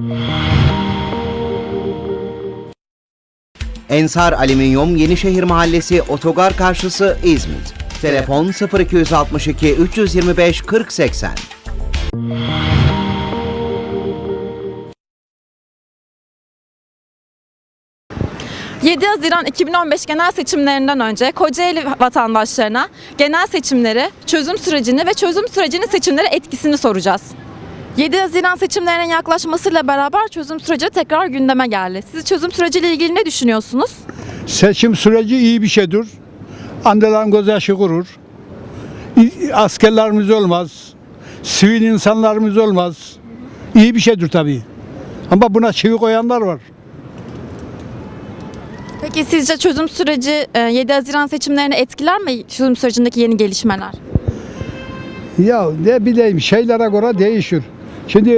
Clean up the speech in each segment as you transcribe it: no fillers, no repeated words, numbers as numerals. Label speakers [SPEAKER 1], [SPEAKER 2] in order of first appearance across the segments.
[SPEAKER 1] Ensar Alüminyum Yenişehir Mahallesi Otogar karşısı İzmit. Telefon 0262 325 4080.
[SPEAKER 2] 7 Haziran 2015 genel seçimlerinden önce Kocaeli vatandaşlarına genel seçimleri, çözüm sürecini ve çözüm sürecinin seçimlere etkisini soracağız. 7 Haziran seçimlerinin yaklaşmasıyla beraber çözüm süreci tekrar gündeme geldi. Siz çözüm süreciyle ilgili ne düşünüyorsunuz?
[SPEAKER 3] Seçim süreci iyi bir şeydir. Annelerin göz yaşı kurur. Askerlerimiz olmaz. Sivil insanlarımız olmaz. İyi bir şeydir tabii. Ama buna çivi koyanlar var.
[SPEAKER 2] Peki sizce çözüm süreci 7 Haziran seçimlerini etkiler mi, çözüm sürecindeki yeni gelişmeler?
[SPEAKER 3] Ya ne bileyim, şeylere göre değişir. Şimdi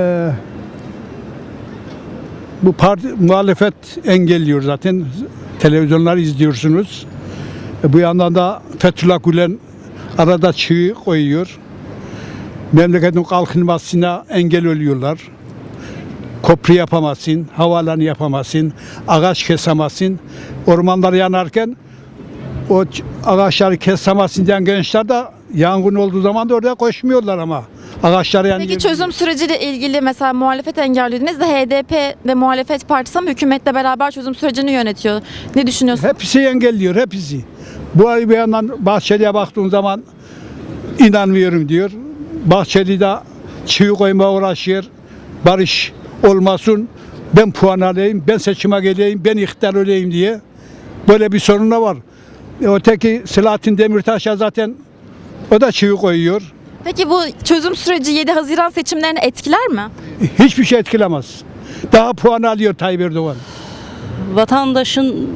[SPEAKER 3] bu parti muhalefet engelliyor zaten. Televizyonları izliyorsunuz. Bu yandan da Fethullah Gülen arada çivi koyuyor. Memleketin kalkınmasına engel oluyorlar. Köprü yapamazsın, havaalanı yapamazsın, ağaç kesemezsin. Ormanlar yanarken o ağaçları kesemezsin diyen gençler de yangın olduğu zaman da oraya koşmuyorlar ama. Ağaçları yanıyor.
[SPEAKER 2] Peki çözüm süreciyle ilgili mesela muhalefet engellediğiniz de HDP ve muhalefet partisi ama hükümetle beraber çözüm sürecini yönetiyor. Ne düşünüyorsunuz?
[SPEAKER 3] Hepsi engelliyor, hepsi. Bu ay bir yandan Bahçeli'ye baktığın zaman inanmıyorum diyor. Bahçeli de çivi koymaya uğraşıyor. Barış olmasın, ben puan alayım, ben seçime geleyim, ben iktidar olayım diye. Böyle bir sorun da var. Öteki Selahattin Demirtaş'a zaten o da çivi koyuyor.
[SPEAKER 2] Peki bu çözüm süreci 7 Haziran seçimlerini etkiler mi?
[SPEAKER 3] Hiçbir şey etkilemez. Daha puan alıyor Tayyip Erdoğan.
[SPEAKER 4] Vatandaşın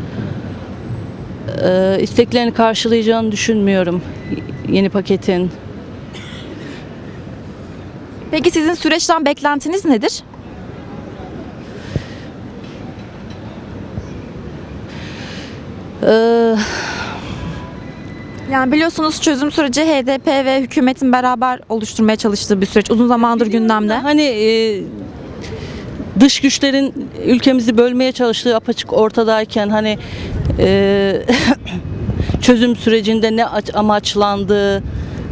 [SPEAKER 4] isteklerini karşılayacağını düşünmüyorum yeni paketin.
[SPEAKER 2] Peki sizin süreçten beklentiniz nedir?
[SPEAKER 4] Ee,
[SPEAKER 2] Yani biliyorsunuz çözüm süreci HDP ve hükümetin beraber oluşturmaya çalıştığı bir süreç. Uzun zamandır gündemde.
[SPEAKER 4] Hani dış güçlerin ülkemizi bölmeye çalıştığı apaçık ortadayken hani çözüm sürecinde ne amaçlandığı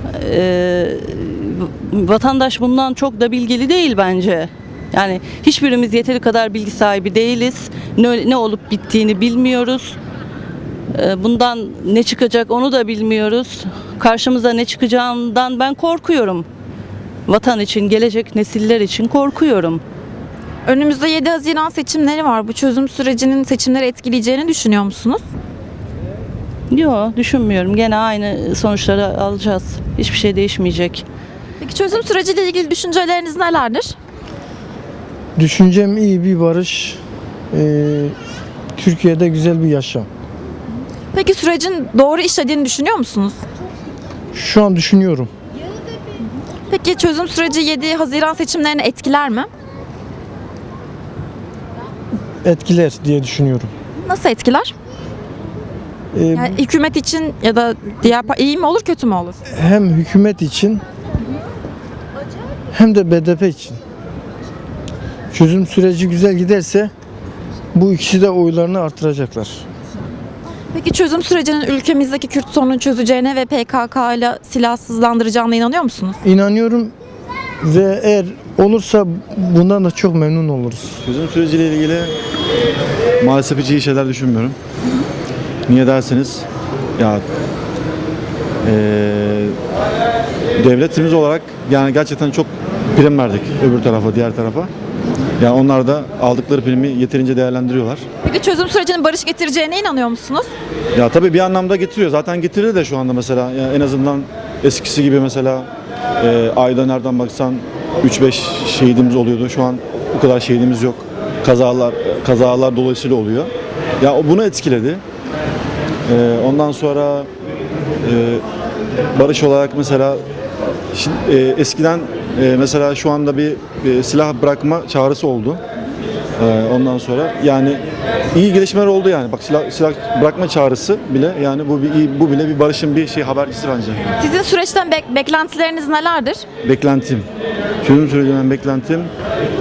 [SPEAKER 4] vatandaş bundan çok da bilgili değil bence. Yani hiçbirimiz yeteri kadar bilgi sahibi değiliz. Ne olup bittiğini bilmiyoruz. Bundan ne çıkacak onu da bilmiyoruz. Karşımıza ne çıkacağından ben korkuyorum. Vatan için, gelecek nesiller için korkuyorum.
[SPEAKER 2] Önümüzde 7 Haziran seçimleri var. Bu çözüm sürecinin seçimleri etkileyeceğini düşünüyor musunuz?
[SPEAKER 4] Yok, düşünmüyorum. Gene aynı sonuçları alacağız. Hiçbir şey değişmeyecek.
[SPEAKER 2] Peki çözüm süreciyle ilgili düşünceleriniz nelerdir?
[SPEAKER 5] Düşüncem iyi bir barış, Türkiye'de güzel bir yaşam.
[SPEAKER 2] Peki sürecin doğru işlediğini düşünüyor musunuz?
[SPEAKER 5] Şu an düşünüyorum.
[SPEAKER 2] Peki çözüm süreci 7 Haziran seçimlerini etkiler mi?
[SPEAKER 5] Etkiler diye düşünüyorum.
[SPEAKER 2] Nasıl etkiler? Yani hükümet için ya da diğer iyi mi olur kötü mü olur?
[SPEAKER 5] Hem hükümet için hem de BDP için. Çözüm süreci güzel giderse bu ikisi de oylarını artıracaklar.
[SPEAKER 2] Peki çözüm sürecinin ülkemizdeki Kürt sorununu çözeceğine ve PKK ile silahsızlandıracağına inanıyor musunuz?
[SPEAKER 5] İnanıyorum ve eğer olursa bundan da çok memnun oluruz.
[SPEAKER 6] Çözüm süreciyle ilgili maalesef hiç iyi şeyler düşünmüyorum. Niye derseniz ya devletimiz olarak yani gerçekten çok prim verdik öbür tarafa, diğer tarafa. Yani onlar da aldıkları primi yeterince değerlendiriyorlar.
[SPEAKER 2] Peki çözüm sürecinin barış getireceğine inanıyor musunuz?
[SPEAKER 6] Ya tabii bir anlamda getiriyor. Zaten getirir de şu anda mesela. Yani en azından eskisi gibi mesela ayda nereden baksan 3-5 şehidimiz oluyordu. Şu an o kadar şehidimiz yok. Kazalar dolayısıyla oluyor. Ya o bunu etkiledi. Ondan sonra barış olarak mesela eskiden mesela şu anda bir silah bırakma çağrısı oldu. Ondan sonra yani iyi gelişmeler oldu yani. Bak silah bırakma çağrısı bile yani bu bile bir barışın bir habercisi bence.
[SPEAKER 2] Sizin süreçten beklentileriniz nelerdir?
[SPEAKER 6] Beklentim. Çözüm sürecinden beklentim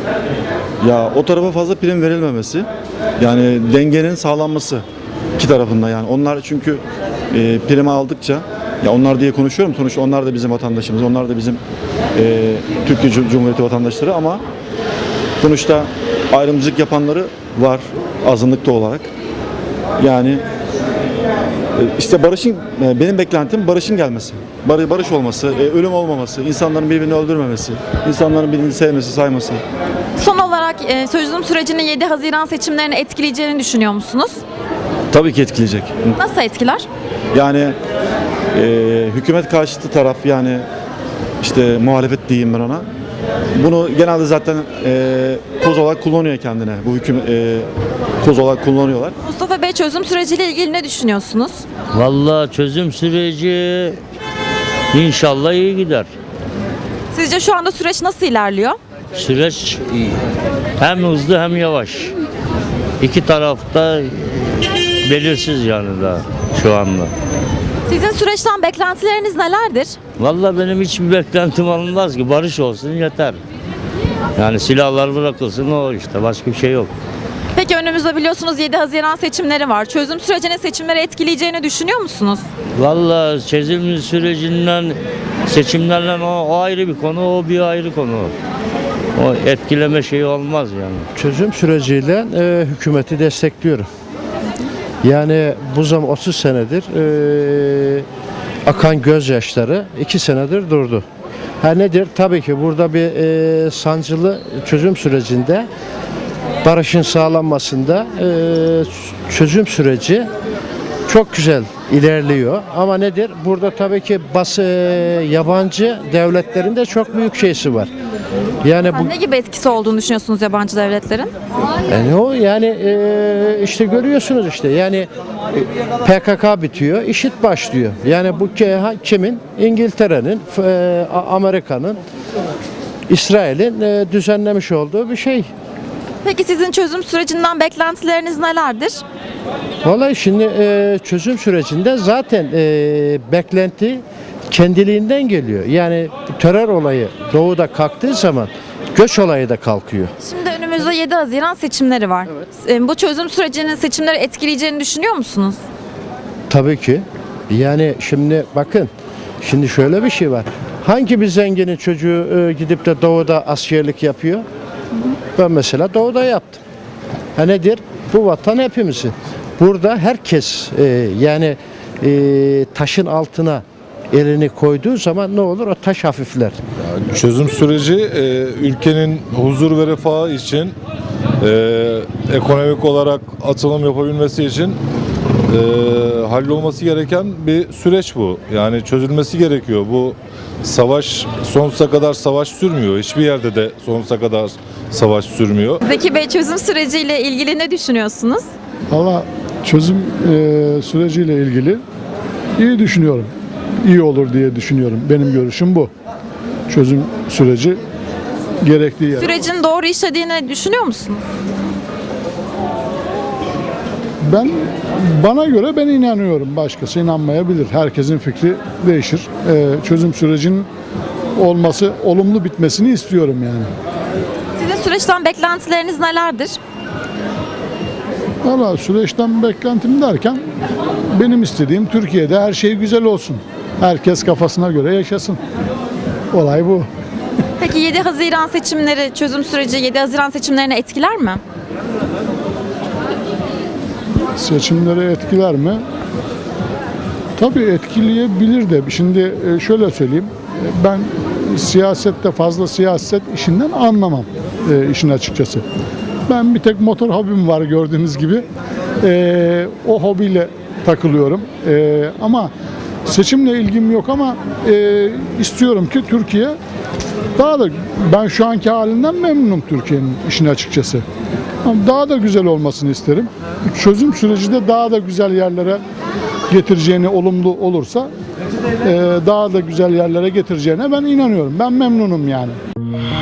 [SPEAKER 6] Ya o tarafa fazla prim verilmemesi, yani dengenin sağlanması iki tarafında yani. Onlar çünkü prim aldıkça, ya onlar diye konuşuyorum, sonuçta onlar da bizim vatandaşımız, onlar da bizim Türkiye Cumhuriyeti vatandaşları ama sonuçta ayrımcılık yapanları var azınlıkta olarak. Yani işte barışın, benim beklentim barışın gelmesi, barış olması, ölüm olmaması, insanların birbirini öldürmemesi, insanların birbirini sevmesi, sayması.
[SPEAKER 2] Son olarak çözüm sürecinin 7 Haziran seçimlerini etkileyeceğini düşünüyor musunuz?
[SPEAKER 6] Tabii ki etkileyecek.
[SPEAKER 2] Nasıl etkiler?
[SPEAKER 6] Yani hükümet karşıtı taraf, yani işte muhalefet diyeyim ben ona. Bunu genelde zaten koz olarak kullanıyor kendine. Bu koz olarak kullanıyorlar.
[SPEAKER 2] Mustafa Bey, çözüm süreciyle ilgili ne düşünüyorsunuz?
[SPEAKER 7] Vallahi çözüm süreci inşallah iyi gider.
[SPEAKER 2] Sizce şu anda süreç nasıl ilerliyor?
[SPEAKER 7] Süreç hem hızlı hem yavaş. İki tarafta belirsiz yani daha şu anda.
[SPEAKER 2] Sizin süreçten beklentileriniz nelerdir?
[SPEAKER 7] Vallahi benim hiçbir beklentim alınmaz ki, barış olsun yeter. Yani silahlar bırakılsın, o işte, başka bir şey yok.
[SPEAKER 2] Peki önümüzde biliyorsunuz 7 Haziran seçimleri var. Çözüm sürecinin seçimleri etkileyeceğini düşünüyor musunuz?
[SPEAKER 7] Vallahi çözüm sürecinden, seçimlerden o ayrı bir konu, o bir ayrı konu. O etkileme şeyi olmaz yani.
[SPEAKER 8] Çözüm süreciyle hükümeti destekliyorum. Yani bu zaman 30 senedir akan gözyaşları 2 senedir durdu. Ha nedir? Tabii ki burada bir sancılı çözüm sürecinde, barışın sağlanmasında çözüm süreci çok güzel ilerliyor. Ama nedir? Burada tabii ki yabancı devletlerin de çok büyük şeysi var. Yani bu
[SPEAKER 2] Ne gibi etkisi olduğunu düşünüyorsunuz yabancı devletlerin?
[SPEAKER 8] yani o yani işte görüyorsunuz işte yani PKK bitiyor, IŞİD başlıyor. Yani bu kimin? İngiltere'nin, Amerika'nın, İsrail'in düzenlemiş olduğu bir şey.
[SPEAKER 2] Peki sizin çözüm sürecinden beklentileriniz nelerdir?
[SPEAKER 8] Vallahi şimdi çözüm sürecinde zaten beklenti kendiliğinden geliyor. Yani terör olayı doğuda kalktığı zaman göç olayı da kalkıyor.
[SPEAKER 2] Şimdi önümüzde 7 Haziran seçimleri var. Bu çözüm sürecinin seçimleri etkileyeceğini düşünüyor musunuz?
[SPEAKER 8] Tabii ki. Yani şimdi bakın, şimdi şöyle bir şey var. Hangi bir zenginin çocuğu gidip de doğuda askerlik yapıyor? Ben mesela doğuda yaptım. Ha nedir? Bu vatan hepimizin. Burada herkes yani taşın altına elini koyduğu zaman ne olur? O taş hafifler.
[SPEAKER 9] Çözüm süreci ülkenin huzur ve refahı için, ekonomik olarak atılım yapabilmesi için hallolması gereken bir süreç bu. Yani çözülmesi gerekiyor. Bu savaş sonsuza kadar savaş sürmüyor. Hiçbir yerde de sonsuza kadar savaş sürmüyor.
[SPEAKER 2] Zeki Bey, çözüm süreciyle ilgili ne düşünüyorsunuz?
[SPEAKER 10] Valla çözüm süreciyle ilgili iyi düşünüyorum. İyi olur diye düşünüyorum. Benim görüşüm bu. Çözüm süreci gerektiği yer.
[SPEAKER 2] Sürecin doğru işlediğini düşünüyor musunuz?
[SPEAKER 10] Bana göre ben inanıyorum. Başkası inanmayabilir. Herkesin fikri değişir. Çözüm sürecinin olumlu bitmesini istiyorum yani.
[SPEAKER 2] Sizin süreçten beklentileriniz nelerdir?
[SPEAKER 10] Valla süreçten beklentim derken benim istediğim Türkiye'de her şey güzel olsun. Herkes kafasına göre yaşasın. Olay bu.
[SPEAKER 2] Peki 7 Haziran seçimleri, çözüm süreci 7 Haziran seçimlerini etkiler mi?
[SPEAKER 10] Seçimleri etkiler mi? Tabii etkileyebilir de. Şimdi şöyle söyleyeyim. Ben siyasette fazla siyaset işinden anlamam işin açıkçası. Ben bir tek motor hobim var gördüğünüz gibi. O hobiyle takılıyorum. Ama seçimle ilgim yok ama istiyorum ki Türkiye ben şu anki halinden memnunum Türkiye'nin işin açıkçası. Ama daha da güzel olmasını isterim. Çözüm süreci de daha da güzel yerlere getireceğine, olumlu olursa daha da güzel yerlere getireceğine ben inanıyorum. Ben memnunum yani.